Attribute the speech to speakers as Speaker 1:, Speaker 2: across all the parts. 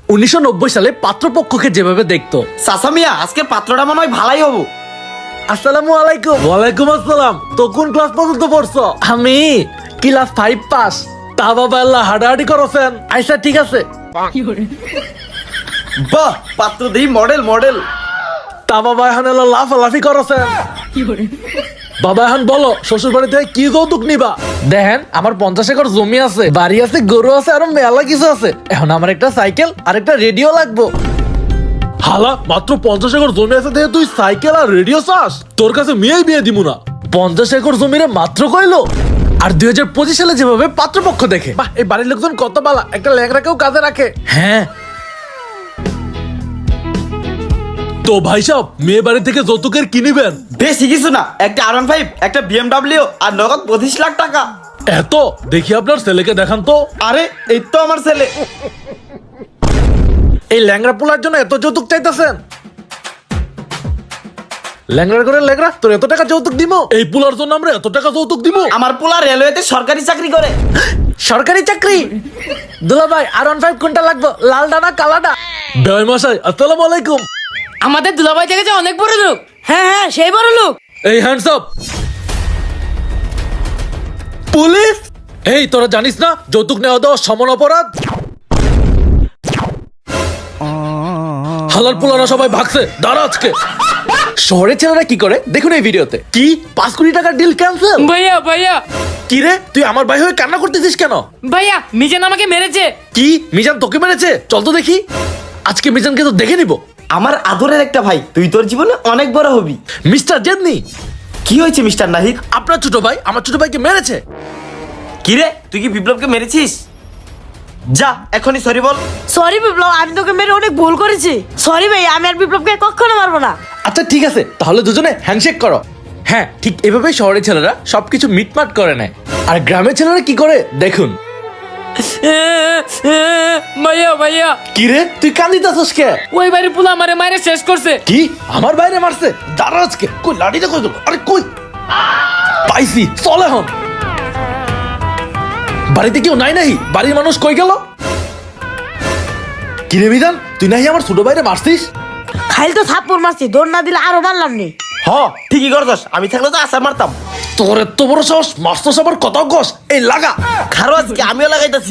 Speaker 1: 1990 সালে পাত্রপক্ষকে যেভাবে দেখতো।
Speaker 2: চাচা মিয়া আজকে পাত্রটা মনে হয় ভালাই হবো।
Speaker 1: আসসালামু আলাইকুম। ওয়ালাইকুম আসসালাম। তো কোন ক্লাস পর্যন্ত পড়ছো? আমি ক্লাস 5 পাস। তা বাবা আল্লাহ হাডাহাডি করছেন? আচ্ছা ঠিক আছে।
Speaker 2: বাহ, পাত্র দেই মডেল মডেল।
Speaker 1: তা বাবা এখন লাফালাফি করছেন? বাবা এখন বলো শ্বশুর বাড়ি থেকে কি যৌতুক নিবা? দেখেন আমার 50 একর জমি আছে, বাড়ি আছে, গরু আছে, আরো মেলা কিছু আছে। এখন আমার একটা সাইকেল আর একটা রেডিও লাগবে। হালা মাত্র 50 একর জমি আছে দেখে তুই সাইকেল আর রেডিও চাস? তোর কাছে মেয়েই বিয়ে দিমু না। 50 একর জমিরে মাত্র কইলো। আর 2025 সালে যেভাবে পাত্রপক্ষ দেখে, বাহ এই বাড়ির লোকজন কত বালা, একটা ল্যাংড়াকেও কাজে রাখে। হ্যাঁ তো ভাই সাহেব, মেয়ে বাড়ি থেকে যৌতুকের কি নিবেন?
Speaker 2: বেশি কিছু না, একটা R15, একটা BMW আর নগদ 25 লাখ টাকা।
Speaker 1: এত দেখি আপনার ছেলেকে দেখান তো।
Speaker 2: আরে এই তো আমার ছেলে।
Speaker 1: এই ল্যাংড়া পোলার জন্য এত যৌতুক চাইতেছেন? ল্যাংড়া করে ল্যাংড়া, তোর এত টাকা যৌতুক দিব? এই পোলার জন্য আমরা এত টাকা যৌতুক দিব?
Speaker 2: আমার পোলা রেলওয়েতে সরকারি চাকরি করে।
Speaker 1: সরকারি চাকরি? দুলা ভাই R15 কোনটা লাগবে, লালডা না কালাডা? বেয় মশাই আসসালামু আলাইকুম।
Speaker 3: আমাদের দুলাভাই থেকে যে অনেক বড় লোক। হ্যাঁ হ্যাঁ সেই বড় লোক।
Speaker 1: এই হ্যান্ডস আপ। পুলিশ! এই তোরা জানিস না যৌতুক নেওয়া দেওয়া সমান অপরাধ? হালাল পোলারা সবাই ভাগছে, দাঁড়া আজকে। শহরের ছেলেরা কি করে দেখুন এই ভিডিওতে। কি 5 কোটি টাকার ডিল ক্যান্সেল?
Speaker 3: ভাইয়া ভাইয়া
Speaker 1: কি রে তুই আমার ভাই হয়ে কান্না করতেছিস কেন?
Speaker 3: ভাইয়া মিজান আমাকে মেরেছে।
Speaker 1: কি মিজান তোকে মেরেছে? চল তো দেখি। আজকে মিজানকে তো দেখে নিব।
Speaker 2: আমার আদরের একটা ভাই, তুই তোর জীবনে অনেক বড় হবি।
Speaker 1: মিস্টার জেদনি।
Speaker 2: কি হয়েছে মিস্টার নাহিদ?
Speaker 1: আপনার ছোট ভাই আমার ছোট ভাইকে মেরেছে।
Speaker 2: কি রে তুই কি বিপ্লবকে মেরেছিস? যা এখনই সরি বল।
Speaker 4: সরি বিপ্লব, আমি তোকে মেরে অনেক ভুল করেছি। সরি ভাই, আমি আর বিপ্লবকে কখনো মারবো না।
Speaker 1: আচ্ছা ঠিক আছে, তাহলে দুজনে হ্যান্ডশেক করো। হ্যাঁ ঠিক এভাবেই শহরের ছেলেরা সবকিছু মিটমাট করে নেয়। আর গ্রামের ছেলেরা কি করে দেখুন।
Speaker 3: ভাইয়া ভাইয়া
Speaker 1: কি রে তুই কান্দিতাছস কে?
Speaker 3: ওই বাড়ির পুলা আমারে মারে শেষ করছে।
Speaker 1: কি আমার বাইরে মারছে? দাঁড়া আজকে। কই লাঠিটা কই দেবো? আরে কই পাইছি, চল এখন। বাড়িতে কেউ নাই নাহি? বাড়ির মানুষ কই গেল? কি রে বিধান, তুই নাহি আমার ছোট ভাইরে মারছিস?
Speaker 4: খাইল তো থাপ্পড় মারছি, দৌড় না দিলে আরো মারলাম নি।
Speaker 2: হ ঠিকই করছস, আমি থাকলে তো আসার মারতাম।
Speaker 1: তোর এত বড় সাহস, মারছস আবার কত গস? এই লাগা।
Speaker 2: খারো আজকে আমিও লাগাইতাছি।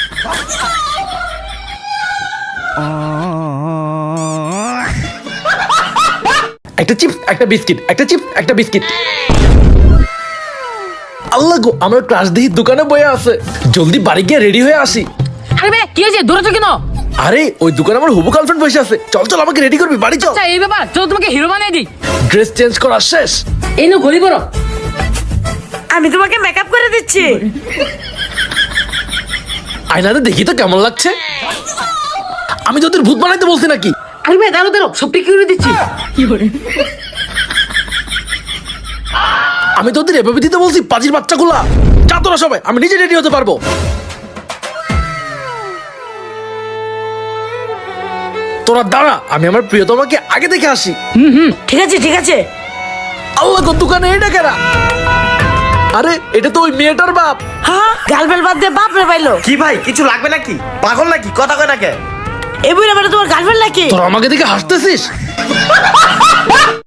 Speaker 1: একটা চিপস একটা বিস্কিট, একটা চিপস একটা বিস্কিট। আল্লাহ গো, আমার ক্লাস দিহি দোকানে বয়ে আছে। জলদি বাড়ি গিয়ে রেডি হয়ে আসি।
Speaker 3: আরে ভাই কি হয়েছে, দূরে তো কেন?
Speaker 1: আরে ওই দোকানে আমার হবু গার্লফ্রেন্ড বসে আছে। চল চল আমাকে রেডি করবি, বাড়ি চল।
Speaker 3: আচ্ছা এই ব্যাপার, চলো তোমাকে হিরো বানিয়ে দিই।
Speaker 1: ড্রেস চেঞ্জ করা শেষ।
Speaker 3: এই নো গলি বড়।
Speaker 4: আমি তোমাকে মেকআপ করে দিচ্ছি।
Speaker 1: আয়নাতে দেখি তো কেমন লাগছে। আমি তোদের ভূত বানাইতে বলছি নাকি?
Speaker 3: আরে ভাই দাঁড়ো দাঁড়ো, সব ঠিক করে দিচ্ছি।
Speaker 1: আমি তোদের এভাবে দিতে বলছি পাজির বাচ্চাগুলা। যা তোরা সবাই, আমি নিজে রেডি হতে পারবো। তোরা দাঁড়া, আমি আমার প্রিয়তমাকে আগে দেখে আসি।
Speaker 4: ঠিক আছে ঠিক আছে।
Speaker 1: আল্লাহ গো, দোকানে এটা কেনা? আরে এটা তো ওই মেয়েটার বাপ।
Speaker 4: হ্যাঁ গার্লফ্রেন্ড বাদ দিয়ে বাপ রে পাইলো।
Speaker 2: কি ভাই কিছু লাগবে নাকি? পাগল নাকি? কথা কয় নাকি?
Speaker 4: এই বুড়া বেটা তোমার গার্লফ্রেন্ড নাকি?
Speaker 1: তোরা আমাকে দেখে হাসতেছিস?